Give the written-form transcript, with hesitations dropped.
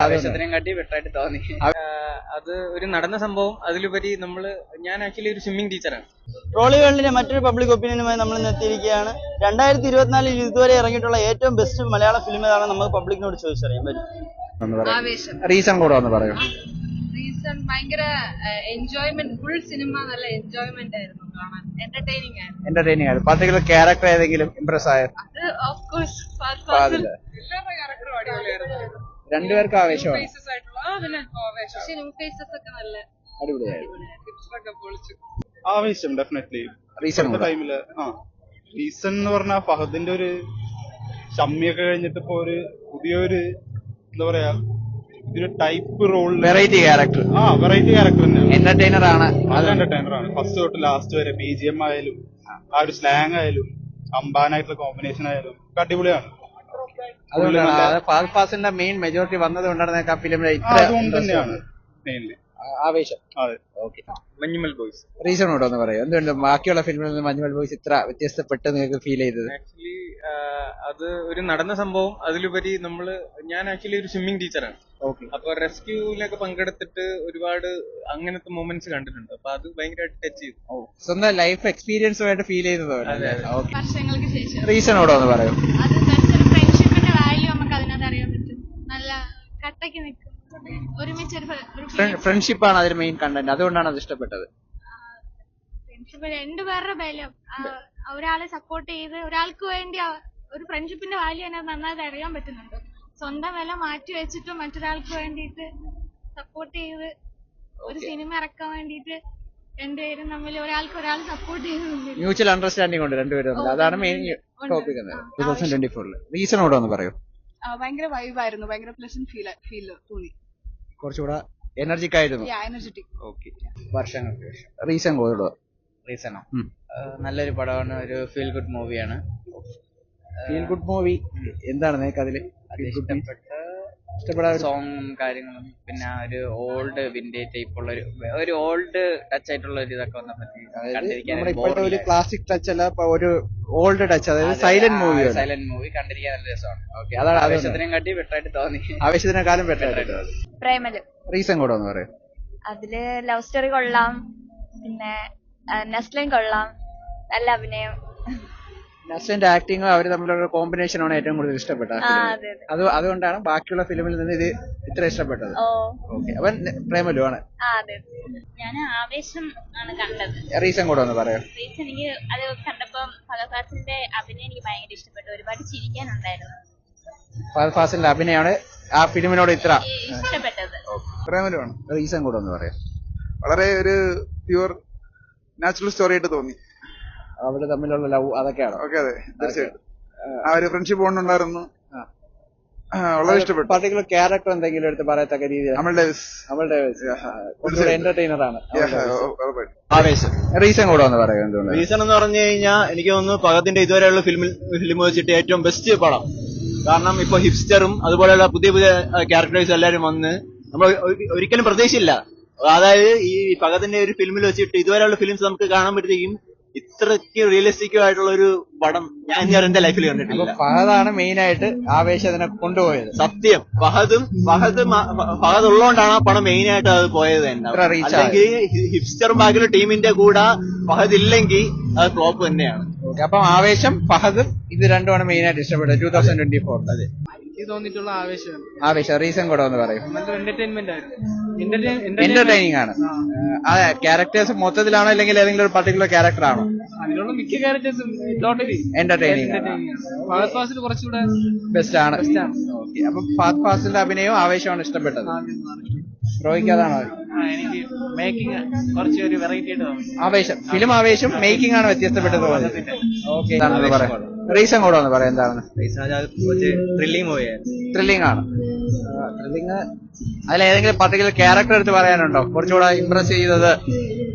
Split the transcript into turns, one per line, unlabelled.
ആവേശത്തിനെയും കാട്ടി ബെറ്ററായിട്ട് തോന്നി.
അത് ഒരു നടന്ന സംഭവം. അതിലുപരി ഞാൻ ആക്ച്വലി ഒരു സ്വിമ്മിംഗ് ടീച്ചറാണ്.
ട്രോളിവേൾഡിലെ മറ്റൊരു പബ്ലിക് ഒപ്പീനിയനുമായി നമ്മൾ ഇന്ന് എത്തിയിരിക്കുകയാണ്. 2024 ഇതുവരെ ഇറങ്ങിയിട്ടുള്ള ഏറ്റവും ബെസ്റ്റ് മലയാള ഫിലിം ഏതാണെന്ന് നമുക്ക് പബ്ലിക്കിനോട് ചോദിച്ചറിയാൻ പറ്റും.
റീസൺ കൂടെ ഒന്ന് പറയും.
റീസൺ ഭയങ്കര എൻജോയ്മെന്റ്, ഫുൾ സിനിമ നല്ല എൻജോയ്മെന്റ് ആയിരുന്നു കാണാൻ, എന്റർടൈനിങ് ആയിരുന്നു.
എന്റർടൈനിങ് ആയിരുന്നു. പർട്ടിക്കുലർ ക്യാരക്ടർ ഏതെങ്കിലും ഇംപ്രസ് ആയ?
അത് ഓഫ് കോഴ്സ്
രണ്ടുപേർക്കും ആവേശമാണ്.
ഫേസസ് ഒക്കെ നല്ല
ആവേശം ഡെഫിനറ്റ്ലി.
റീസൺ
ടൈമില് റീസൺ എന്ന് പറഞ്ഞാൽ ഫഹദിന്റെ ഒരു ഷമ്മിയൊക്കെ കഴിഞ്ഞിട്ട് ഇപ്പൊ ഒരു പുതിയൊരു എന്താ പറയാ ഇതൊരു type role,
variety character.
Variety character തന്നെയാണ്.
എന്റർടൈനർ ആണ്.
നല്ല എന്റർടൈനർ ആണ്. ഫസ്റ്റ് തൊട്ട് ലാസ്റ്റ് വരെ BGM ആയാലും ആ ഒരു സ്ലാങ് ആയാലും അമ്പാനായിട്ടുള്ള കോമ്പിനേഷൻ ആയാലും അടിപൊളിയാണ്.
അതുകൊണ്ടാണ് ഫഹദ് ഫാസിലിന്റെ മെയിൻ മെജോറിറ്റി വന്നത് കൊണ്ടാണ് ഫിലിമിലെ
അതുകൊണ്ട് തന്നെയാണ് മെയിൻലി
ആവേശം.
അതെ.
ഓക്കെ.
മഞ്ഞുമൽ ബോയ്സ്.
റീസൺ കൂടെ ഒന്ന് പറയും. എന്തുകൊണ്ട് ബാക്കിയുള്ള ഫിലിമിൽ നിന്ന് മഞ്ഞുമൽ ബോയ്സ് ഇത്ര വ്യത്യസ്തപ്പെട്ട് നിങ്ങൾക്ക് ഫീൽ ചെയ്തത്?
ആക്ച്വലി അത് ഒരു നടന്ന സംഭവം. അതിലുപരി ഞാൻ ആക്ച്വലി ഒരു സ്വിമ്മിംഗ് ടീച്ചറാണ്. അപ്പൊ റെസ്ക്യൂവിലൊക്കെ പങ്കെടുത്തിട്ട് ഒരുപാട് അങ്ങനത്തെ മൊമെന്റ്സ് കണ്ടിട്ടുണ്ട്. അപ്പൊ അത് ഭയങ്കരമായിട്ട് ടച്ച് ചെയ്തു.
സ്വന്തം ലൈഫ് എക്സ്പീരിയൻസുമായിട്ട് ഫീൽ ചെയ്തത്.
വർഷങ്ങൾക്ക് ശേഷം
റീസൺ കൂടെ ഒന്ന് പറയും.
അത് ബെസ്റ്റ് ഫ്രണ്ട്ഷിപ്പിന്റെ വാല്യൂ നമുക്ക് അതിനകത്ത് അറിയാൻ പറ്റും. നല്ല കട്ടയ്ക്ക് നിൽക്കും, ഒരുമിച്ച്
ഫ്രണ്ട്ഷിപ്പാണ് അതിൽ മെയിൻ കണ്ടന്റ്. അതുകൊണ്ടാണ് അത് ഇഷ്ടപ്പെട്ടത്.
ഫ്രണ്ട്ഷിപ്പ് രണ്ടുപേരുടെ ബലം, ഒരാളെ സപ്പോർട്ട് ചെയ്ത് ഒരാൾക്ക് വേണ്ടി ഒരു ഫ്രണ്ട്ഷിപ്പിന്റെ വാല്യൂ അതിനകത്ത് നന്നായിട്ട് അറിയാൻ പറ്റുന്നുണ്ട്. സ്വന്തം വില മാറ്റി വെച്ചിട്ട് മറ്റൊരാൾക്ക് വേണ്ടിയിട്ട് സപ്പോർട്ട് ചെയ്ത് ഒരു സിനിമ ഇറക്കാൻ വേണ്ടിയിട്ട് രണ്ടുപേരും തമ്മിൽ ഒരാൾക്ക് ഒരാൾ സപ്പോർട്ട് ചെയ്യുന്നുണ്ട്.
മ്യൂച്വൽ അണ്ടർസ്റ്റാൻഡിംഗ് ഉണ്ട് രണ്ടുപേരും. അതാണ് മെയിൻ ടോപ്പിക്. 2024 റീസൺ കൂടെ ഒന്ന് പറയും.
ഭയങ്കര വൈബായിരുന്നു, ഭയങ്കര പ്ലസന്റ് ഫീൽ തോന്നി.
കുറച്ചുകൂടെ എനർജിക് ആയിരുന്നു.
എനർജറ്റിക്.
ഓക്കെ. വർഷങ്ങൾക്ക് ശേഷം റീസൺ കൂടെ.
റീസണോ? നല്ലൊരു പടമാണ്, ഒരു ഫീൽ ഗുഡ് മൂവിയാണ്.
Feel good movie. എന്താണ് നിങ്ങൾക്ക് അതില് ഇഷ്ടപ്പെട്ട
സോങ്ങും കാര്യങ്ങളും, പിന്നെ ഒരു ഓൾഡ് വിന്റേജ് ടൈപ്പ് ഉള്ള ഒരു ഓൾഡ് ടച്ച് ആയിട്ടുള്ള ഒരു ഇതൊക്കെ വന്നപ്പോ
ഇപ്പോഴത്തെ ഒരു ക്ലാസിക് ടച്ച് അല്ല, ഒരു ഓൾഡ് ടച്ച്, അതായത് സൈലന്റ് മൂവി.
സൈലന്റ് മൂവി കണ്ടിരിക്കാൻ നല്ല രസമാണ്.
ഓക്കെ. അതാണ്
ആവേശത്തിനെയും കാട്ടി ബെറ്ററായിട്ട് തോന്നി.
ആവേശത്തിനെക്കാളും ബെറ്ററായിട്ട്.
പ്രേമലു.
റീസൺ കൂടെ ഒന്ന് പറയും.
അതില് ലവ് സ്റ്റോറി കൊള്ളാം, പിന്നെ നെസ്ലൈൻ കൊള്ളാം, നല്ല അഭിനയം.
നസ്ലിന്റെ ആക്ടിങ്ങും അവർ തമ്മിലുള്ള കോമ്പിനേഷനാണ് ഏറ്റവും കൂടുതൽ ഇഷ്ടപ്പെട്ടത്. അതുകൊണ്ടാണ് ബാക്കിയുള്ള ഫിലിമിൽ നിന്ന് ഇത് ഇത്ര ഇഷ്ടപ്പെട്ടത്. ഓക്കെ. അവൻ പ്രേമലു ആണ്.
ഞാൻ ആവേശം ആണ് കണ്ടത്.
റീസൺ കൂടെ ഒന്ന് പറയാം.
റീസൺ എനിക്ക് അത് കണ്ടപ്പോ ഫഹദ് ഫാസിലിന്റെ അഭിനയം എനിക്ക് ഭയങ്കര ഇഷ്ടപ്പെട്ടു. ഒരുപാട് ചിരിക്കാനുണ്ടായിരുന്നു.
ഫഹദ് ഫാസിലിന്റെ അഭിനയമാണ് ആ ഫിലിമിനോട് ഇത്ര
ഇഷ്ടപ്പെട്ടത്.
പ്രേമലു ആണ്.
റീസൺ കൂടെ ഒന്ന് പറയാം.
വളരെ ഒരു പ്യുവർ നാച്ചുറൽ സ്റ്റോറി ആയിട്ട് തോന്നി.
അവര് തമ്മിലുള്ള ലവ് അതൊക്കെയാണ്.
ഓക്കെ. അതെ, തീർച്ചയായിട്ടും ആ ഒരു ഫ്രണ്ട്ഷിപ്പ് ബോണ്ടുണ്ടായിരുന്നു. വളരെ ഇഷ്ടപ്പെട്ടു.
പർട്ടിക്കുലർ ക്യാരക്ടർ എന്തെങ്കിലും എടുത്ത് പറയത്തക്ക രീതിയിൽ എന്റർടൈനർ ആണ്. ആവേശം. റീസൺ കൂടെ ഒന്ന് പറയാം. എന്തുകൊണ്ട്?
റീസൺ എന്ന് പറഞ്ഞു കഴിഞ്ഞാൽ എനിക്ക് തോന്നുന്നു ഫഹദിന്റെ ഇതുവരെയുള്ള ഫിലിം വെച്ചിട്ട് ഏറ്റവും ബെസ്റ്റ് പടം. കാരണം ഇപ്പൊ ഹിപ്സ്റ്ററും അതുപോലെയുള്ള പുതിയ പുതിയ ക്യാരക്ടേഴ്സ് എല്ലാവരും വന്ന് നമ്മൾ ഒരിക്കലും പ്രതീക്ഷയില്ല. അതായത് ഈ ഫഹദിന്റെ ഒരു ഫിലിമിൽ വെച്ചിട്ട് ഇതുവരെയുള്ള ഫിലിംസ് നമുക്ക് കാണാൻ പറ്റും ഇത്രയ്ക്ക് റിയലിസ്റ്റിക് ആയിട്ടുള്ള ഒരു പടം ഞാൻ എന്റെ ലൈഫിൽ കണ്ടിട്ടില്ല.
ഫഹദാണ് മെയിൻ ആയിട്ട് ആവേശത്തിനെ കൊണ്ടുപോയത്.
സത്യം. ഫഹദ് ഉള്ളതുകൊണ്ടാണ് ആ പടം മെയിൻ ആയിട്ട് അത് പോയത് തന്നെ. അല്ലെങ്കിൽ ഹിപ്സ്റ്ററും ബാക്കിയുള്ള ടീമിന്റെ കൂടെ ഫഹദ് ഇല്ലെങ്കിൽ അത് ഫ്ലോപ്പ് തന്നെയാണ്.
അപ്പം ആവേശം, ഫഹദും ഇത് രണ്ടുമാണ് മെയിൻ ആയിട്ട് ഇഷ്ടപ്പെട്ടത് 2024.
അതെ.
എനിക്ക് തോന്നിയിട്ടുള്ള
ആവേശം. റീസൺ കൂടെ ഒന്ന് പറയും.
എന്റർടൈൻമെന്റ് ആയിരുന്നു.
എന്റർടൈനിങ് ആണ്. അതെ. ക്യാരക്ടേഴ്സ് മൊത്തത്തിലാണോ അല്ലെങ്കിൽ ഏതെങ്കിലും ഒരു പർട്ടിക്കുലർ ക്യാരക്ടർ ആണോ?
അതിലുള്ള മിക്ക ക്യാരക്ടേഴ്സും ടോട്ടലി
എന്റർടൈനിങ്.
ഫഹദ് ഫാസിൽ കുറച്ചുകൂടെ
ബെസ്റ്റ് ആണ്. ഓക്കെ. അപ്പൊ ഫഹദ് ഫാസിലിന്റെ അഭിനയവും ആവേശമാണ് ഇഷ്ടപ്പെട്ടത്. റോയ്ക്ക് അതാണോ?
എനിക്ക് മേക്കിംഗ് കുറച്ച് ഒരു വെറൈറ്റി ആയിട്ട് തോന്നി.
ആവേശം. ഫിലിം ആവേശം മേക്കിംഗ് ആണ് വ്യത്യസ്തപ്പെട്ടത്. ഓക്കെ. റീസൺ കൂടെ ഒന്ന് പറയാം. എന്താണ്?
ത്രില്ലിംഗ് മൂവിയായിരുന്നു.
ത്രില്ലിംഗ് ആണ്. ത്രില്ലിംഗ് അതിലേതെങ്കിലും പർട്ടിക്കുലർ ക്യാരക്ടർ എടുത്ത് പറയാനുണ്ടോ? കുറച്ചുകൂടെ ഇംപ്രസ് ചെയ്തത്